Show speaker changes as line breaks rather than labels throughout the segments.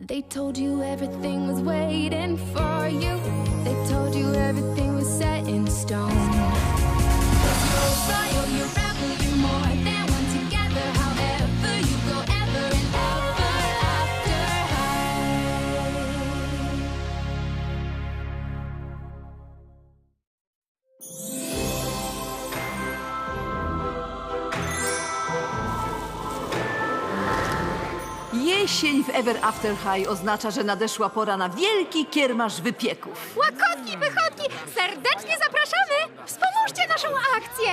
They told you everything was waiting for you. They told you everything was set in stone. You're royal, you're rebel, you're more than one together. However you go ever and ever after high.
Jesień w Ever After High oznacza, że nadeszła pora na wielki kiermasz wypieków.
Łakotki, wychodki, serdecznie zapraszamy! Wspomóżcie naszą akcję!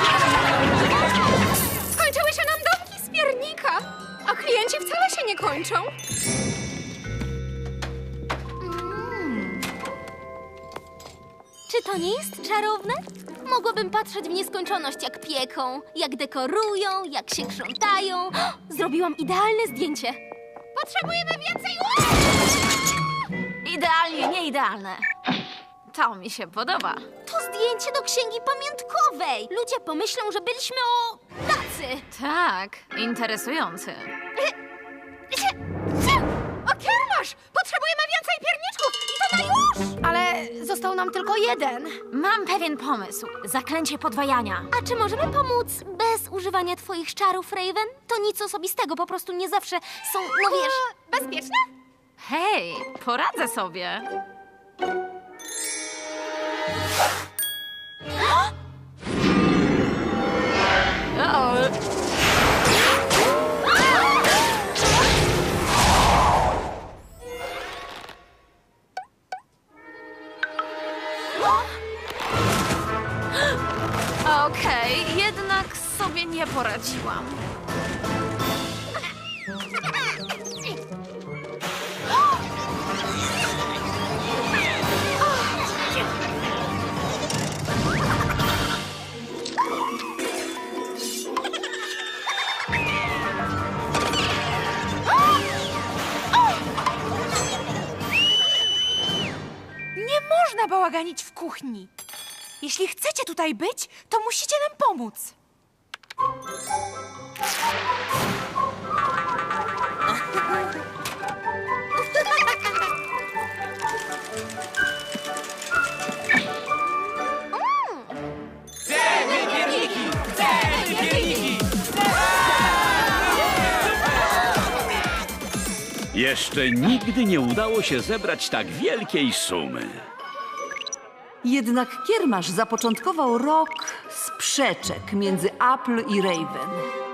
Skończyły się nam domki z piernika, a klienci wcale się nie kończą.
Czy to nie jest czarowne? Mogłabym patrzeć w nieskończoność, jak pieką, jak dekorują, jak się krzątają. Zrobiłam idealne zdjęcie.
Potrzebujemy więcej
Idealnie, nie idealne. To mi się podoba. To zdjęcie do księgi pamiątkowej. Ludzie pomyślą, że byliśmy tacy.
Tak, interesujący.
O, kiermasz! Potrzebujemy więcej pierniczków i to na już! Ale został nam tylko jeden.
Mam pewien pomysł. Zaklęcie podwajania.
A czy możemy pomóc bez używania twoich czarów, Raven? To nic osobistego, po prostu nie zawsze są, no wiesz...
Bezpieczne?
Hej, poradzę sobie. O! Okej, jednak sobie nie poradziłam.
Nie można bałaganić w kuchni. Jeśli chcecie tutaj być, to musicie nam pomóc.
Jeszcze nigdy nie udało się zebrać tak wielkiej sumy.
Jednak kiermasz zapoczątkował rok sprzeczek między Apple i Raven.